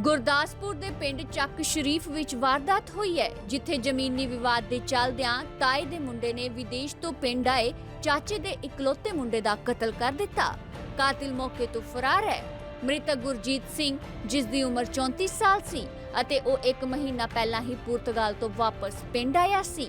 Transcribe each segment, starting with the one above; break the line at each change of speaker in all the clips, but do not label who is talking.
ਗੁਰਦਾਸਪੁਰ ਦੇ ਪਿੰਡ ਚੱਕ ਸ਼ਰੀਫ ਵਿੱਚ ਵਾਰਦਾਤ ਹੋਈ ਹੈ, ਜਿੱਥੇ ਜ਼ਮੀਨੀ ਵਿਵਾਦ ਦੇ ਚੱਲਦਿਆਂ ਤਾਏ ਦੇ ਮੁੰਡੇ ਨੇ ਵਿਦੇਸ਼ ਤੋਂ ਪਿੰਡ ਆਏ ਚਾਚੇ ਦੇ ਇਕਲੌਤੇ ਮੁੰਡੇ ਦਾ ਕਤਲ ਕਰ ਦਿੱਤਾ। ਕਾਤਿਲ ਮੌਕੇ ਤੋਂ ਫਰਾਰ ਹੈ। ਮ੍ਰਿਤਕ ਗੁਰਜੀਤ ਸਿੰਘ, ਜਿਸ ਦੀ ਉਮਰ 34 ਸਾਲ ਸੀ ਅਤੇ ਉਹ 1 ਮਹੀਨਾ ਪਹਿਲਾਂ ਹੀ ਪੁਰਤਗਾਲ ਤੋਂ ਵਾਪਸ ਪਿੰਡ ਆਇਆ ਸੀ।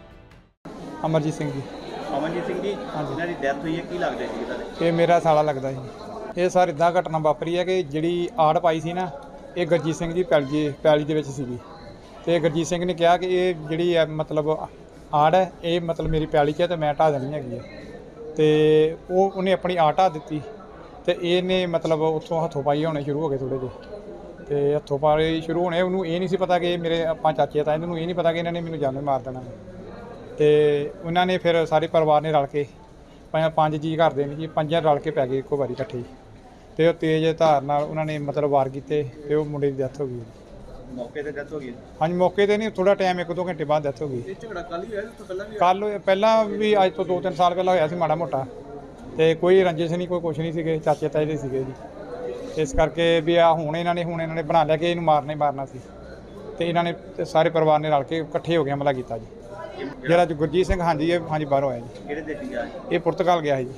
ਅਮਰਜੀਤ ਸਿੰਘ ਜੀ।
ਅਮਨਜੀਤ ਸਿੰਘ ਜੀ, ਇਹਨਾਂ ਦੀ ਡੈਥ ਹੋਈ ਹੈ, ਕੀ ਲੱਗਦਾ ਸੀ ਤੁਹਾਡੇ?
ਇਹ ਮੇਰਾ ਸਾਲਾ ਲੱਗਦਾ ਜੀ। ਇਹ ਸਰ ਇਦਾਂ ਘਟਨਾ ਵਾਪਰੀ ਹੈ ਕਿ ਜਿਹੜੀ ਆੜ ਪਾਈ ਸੀ ਨਾ, ਇਹ ਗੁਰਜੀਤ ਸਿੰਘ ਦੀ ਪੈਲੀ ਦੇ ਵਿੱਚ ਸੀਗੀ। ਤੇ ਗੁਰਜੀਤ ਸਿੰਘ ਨੇ ਕਿਹਾ ਕਿ ਇਹ ਜਿਹੜੀ ਹੈ ਮਤਲਬ ਆੜ ਹੈ, ਇਹ ਮਤਲਬ ਮੇਰੀ ਪੈਲੀ 'ਚ ਹੈ ਤੇ ਮੈਂ ਢਾਹ ਦੇਣੀ ਹੈਗੀ ਹੈ। ਤੇ ਉਹਨੇ ਆਪਣੀ ਆੜ ਢਾਹ ਦਿੱਤੀ ਤੇ ਇਹਨੇ ਮਤਲਬ ਉੱਥੋਂ ਹੱਥੋਂ ਪਾਈ ਹੋਣੇ ਸ਼ੁਰੂ ਹੋ ਗਏ ਥੋੜ੍ਹੇ ਜਿਹੇ। ਤੇ ਹੱਥੋਂ ਪਾਈ ਸ਼ੁਰੂ ਹੋਣੇ, ਉਹਨੂੰ ਇਹ ਨਹੀਂ ਸੀ ਪਤਾ ਕਿ ਮੇਰੇ ਆਪਾਂ ਚਾਚੇ ਤਾਂ ਇਹਨਾਂ ਨੂੰ ਇਹ ਨਹੀਂ ਪਤਾ ਕਿ ਇਹਨਾਂ ਨੇ ਮੈਨੂੰ ਜਾਨੋਂ ਮਾਰ ਦੇਣਾ। ਤੇ ਉਹਨਾਂ ਨੇ ਫਿਰ ਸਾਰੇ ਪਰਿਵਾਰ ਨੇ ਰਲ ਕੇ 5 ਜੀ ਘਰ ਦੇ ਨੇ ਜੀ, 5 ਰਲ ਕੇ ਪੈ ਗਏ ਇੱਕੋ ਵਾਰੀ ਇਕੱਠੇ। ਤੇ ਉਹ ਤੇਜ਼ ਧਾਰ ਨਾਲ ਉਹਨਾਂ ਨੇ ਮਤਲਬ ਵਾਰ ਕੀਤੇ ਤੇ ਉਹ ਮੁੰਡੇ ਦੀ ਡੈਥ ਹੋ ਗਈ।
ਮੌਕੇ ਤੇ ਡੈਥ ਹੋ ਗਈ?
ਹਾਂਜੀ, ਮੌਕੇ ਤੇ ਨਹੀਂ, ਥੋੜਾ ਟਾਈਮ 1-2 ਘੰਟੇ ਬਾਅਦ ਡੈਥ ਹੋ ਗਈ।
ਇਹ ਝਗੜਾ ਕੱਲ ਹੀ ਹੋਇਆ, ਇਸ ਤੋਂ ਪਹਿਲਾਂ ਵੀ?
ਕੱਲ ਪਹਿਲਾਂ ਵੀ ਅੱਜ ਤੋਂ 2-3 ਸਾਲ ਪਹਿਲਾਂ ਹੋਇਆ ਸੀ ਮਾੜਾ ਮੋਟਾ। ਤੇ ਕੋਈ ਰੰਜਿਸ਼ ਨਹੀਂ, ਕੋਈ ਕੁਛ ਨਹੀਂ ਸੀਗੇ, ਚਾਚੇ ਤਾਏ ਦੇ ਸੀਗੇ ਜੀ। ਇਸ ਕਰਕੇ ਵੀ ਆ ਹੁਣ ਇਹਨਾਂ ਨੇ ਬਣਾ ਲਿਆ ਕਿ ਇਹਨੂੰ ਮਾਰਨਾ ਹੀ ਮਾਰਨਾ ਸੀ। ਤੇ ਇਹਨਾਂ ਨੇ ਸਾਰੇ ਪਰਿਵਾਰ ਨੇ ਰਲ ਕੇ ਇਕੱਠੇ ਹੋ ਕੇ ਹਮਲਾ ਕੀਤਾ ਜੀ। ਜਿਹੜਾ ਗੁਰਜੀਤ ਸਿੰਘ, ਹਾਂਜੀ ਇਹ ਹਾਂਜੀ ਬਾਹਰੋਂ ਆਇਆ ਜੀ।
ਕਿਹੜੇ ਦੇਸ਼ ਗਿਆ?
ਇਹ ਪੁਰਤਗਾਲ ਗਿਆ ਹੈ ਜੀ।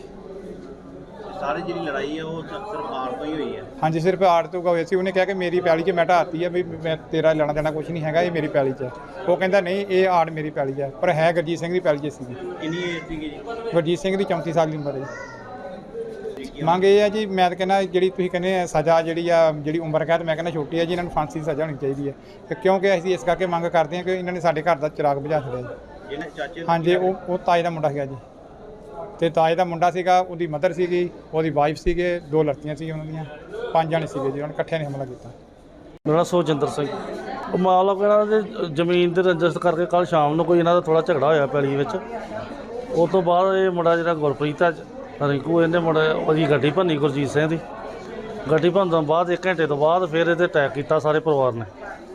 ਸਾਰੀ ਜਿਹੜੀ ਲੜਾਈ ਹੈ ਉਹ ਸਿਰਫ ਆੜ ਤੋਂ ਹੀ ਹੋਈ ਹੈ?
ਹਾਂਜੀ, ਸਿਰਫ ਆੜ ਤੋਂ ਹੋਈ ਸੀ। ਉਹਨੇ ਕਿਹਾ ਕਿ ਮੇਰੀ ਪੈਲੀ 'ਚ ਮੈਂ ਢਾਤੀ ਹੈ, ਵੀ ਮੈਂ ਤੇਰਾ ਲੈਣਾ ਦੇਣਾ ਕੁਛ ਨਹੀਂ ਹੈਗਾ, ਇਹ ਮੇਰੀ ਪੈਲੀ 'ਚ ਹੈ। ਉਹ ਕਹਿੰਦਾ ਨਹੀਂ, ਇਹ ਆੜ ਮੇਰੀ ਪੈਲੀ ਹੈ, ਪਰ ਹੈ ਗੁਰਜੀਤ ਸਿੰਘ ਦੀ ਪੈਲੀ 'ਚ ਸੀਗੀ।
ਕਿੰਨੀ ਏਜ ਸੀਗੀ ਜੀ?
ਗੁਰਜੀਤ ਸਿੰਘ ਦੀ 34 ਸਾਲ ਦੀ ਉਮਰ ਹੈ ਜੀ। ਮੰਗ ਇਹ ਹੈ ਜੀ, ਮੈਂ ਤਾਂ ਕਹਿੰਦਾ ਜਿਹੜੀ ਤੁਸੀਂ ਕਹਿੰਦੇ ਸਜ਼ਾ ਜਿਹੜੀ ਉਮਰ ਕੈਦ, ਮੈਂ ਕਹਿੰਦਾ ਛੋਟੀ ਹੈ ਜੀ। ਇਹਨਾਂ ਨੂੰ ਫਾਂਸੀ ਦੀ ਸਜ਼ਾ ਹੋਣੀ ਚਾਹੀਦੀ ਹੈ, ਕਿਉਂਕਿ ਅਸੀਂ ਇਸ ਕਰਕੇ ਮੰਗ ਕਰਦੇ ਹਾਂ ਕਿ ਇਹਨਾਂ ਨੇ ਸਾਡੇ ਘਰ ਦਾ ਚਿਰਾਗ ਬੁਝਾ ਛੱਡਿਆ ਜੀ।
ਜਿਹਨੇ ਚਾਚੇ? ਹਾਂਜੀ,
ਉਹ ਤਾਏ ਦਾ ਮੁੰਡਾ ਸੀਗਾ ਜੀ। ਤੇ ਤਾਏ ਦਾ ਮੁੰਡਾ ਸੀਗਾ, ਉਹਦੀ ਮਦਰ ਸੀਗੀ, ਉਹਦੀ ਵਾਈਫ ਸੀਗੇ, 2 ਲੜਕੀਆਂ ਸੀ ਉਹਨਾਂ ਦੀਆਂ, 5 ਜਣੇ ਸੀਗੇ ਜੀ। ਉਹਨਾਂ ਇਕੱਠਿਆਂ ਨੇ ਹਮਲਾ ਕੀਤਾ।
ਮੇਰਾ ਸੁਖਜਿੰਦਰ ਸਿੰਘ। ਉਹ ਮਾਮਲਾ ਇਹਨਾਂ ਦੇ ਜ਼ਮੀਨ ਦੇ ਰਜਿਸਟਰ ਕਰਕੇ ਕੱਲ੍ਹ ਸ਼ਾਮ ਨੂੰ ਕੋਈ ਇਹਨਾਂ ਦਾ ਥੋੜ੍ਹਾ ਝਗੜਾ ਹੋਇਆ ਪੈਲੀ ਵਿੱਚ। ਉਸ ਤੋਂ ਬਾਅਦ ਇਹ ਮੁੰਡਾ ਜਿਹੜਾ ਗੁਰਪ੍ਰੀਤ ਹੈ ਰਿੰਕੂ, ਇਹਨੇ ਮੁੰਡੇ ਉਹਦੀ ਗੱਡੀ ਭੰਨੀ ਗੁਰਜੀਤ ਸਿੰਘ ਦੀ। ਗੱਡੀ ਭੰਨਣ ਤੋਂ ਬਾਅਦ 1 ਘੰਟੇ ਤੋਂ ਬਾਅਦ ਫਿਰ ਇਹਦੇ ਅਟੈਕ ਕੀਤਾ ਸਾਰੇ ਪਰਿਵਾਰ ਨੇ।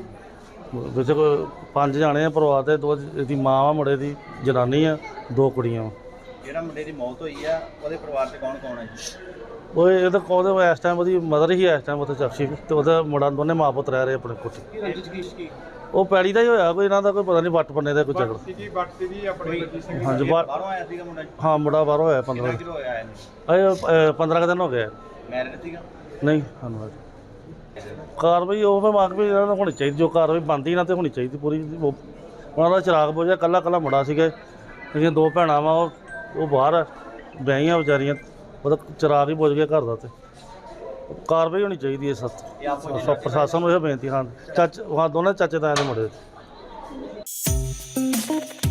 ਵਿੱਚ ਕੋਈ 5 ਜਾਣੇ ਆ ਪਰਿਵਾਰ ਦੇ, 2 ਇਹਦੀ ਮਾਂ ਆ, ਮੁੰਡੇ ਦੀ ਜਨਾਨੀ ਆ, 2 ਕੁੜੀਆਂ ਵਾ।
ਜਿਹੜਾ ਮੁੰਡੇ ਦੀ ਮੌਤ ਹੋਈ ਆ ਉਹਦੇ ਪਰਿਵਾਰ 'ਚ ਕੌਣ ਕੌਣ ਹੈ ਜੀ?
ਉਹ ਇਹਦਾ ਉਹਦੇ ਇਸ ਟਾਈਮ ਉਹਦੀ ਮਦਰ ਹੀ ਇਸ ਟਾਈਮ ਉੱਥੇ ਚੱਕਸ਼ੀ, ਤੇ ਉਹਦਾ ਮੁੰਡਾ, ਦੋਨੇ ਮਾਂ ਪੁੱਤ ਰਹਿ ਰਹੇ ਆਪਣੇ ਕੋਠੀ। ਉਹ ਪੈਲੀ ਦਾ ਹੀ ਹੋਇਆ ਕੋਈ, ਇਹਨਾਂ ਦਾ ਕੋਈ ਪਤਾ ਨਹੀਂ, ਵੱਟ ਪੰਨੇ ਦਾ ਕੋਈ ਝਗੜਾ। ਹਾਂਜੀ,
ਬਾਹਰੋਂ ਆਇਆ ਸੀਗਾ ਮੁੰਡਾ?
ਹਾਂ, ਮੁੰਡਾ ਬਾਹਰੋਂ ਹੋਇਆ। 15
ਕਿਲੋ ਹੋਇਆ ਇਹਨੂੰ?
15 ਦਿਨ ਹੋ ਗਏ।
ਮੈਰਿਡ ਸੀਗਾ?
ਨਹੀਂ, ਧੰਨਵਾਦ। ਕਾਰਵਾਈ ਉਹ ਮੈਂ ਮੰਗ ਵੀ ਇਹਨਾਂ ਨੂੰ ਹੋਣੀ ਚਾਹੀਦੀ, ਜੋ ਕਾਰਵਾਈ ਬਣਦੀ ਇਹਨਾਂ 'ਤੇ ਹੋਣੀ ਚਾਹੀਦੀ ਪੂਰੀ। ਉਹਨਾਂ ਦਾ ਚਿਰਾਗ ਬੁਝਿਆ, ਕੱਲਾ ਮੁੰਡਾ ਸੀਗਾ। ਜਿਹੜੀਆਂ 2 ਭੈਣਾਂ ਵਾ ਉਹ ਬਾਹਰ ਵਿਆਹੀਆਂ ਵਿਚਾਰੀਆਂ, ਉਹਦਾ ਚਿਰਾਗ ਹੀ ਬੁਝ ਗਿਆ ਘਰ ਦਾ। ਤੇ ਕਾਰਵਾਈ ਹੋਣੀ ਚਾਹੀਦੀ ਹੈ ਸਖਤ। ਪ੍ਰਸ਼ਾਸਨ ਨੂੰ ਇਹ ਬੇਨਤੀ। ਹਾਂ, ਦੋਨੇ ਚਾਚੇ ਤਾਏ ਦੇ ਮੁੰਡੇ।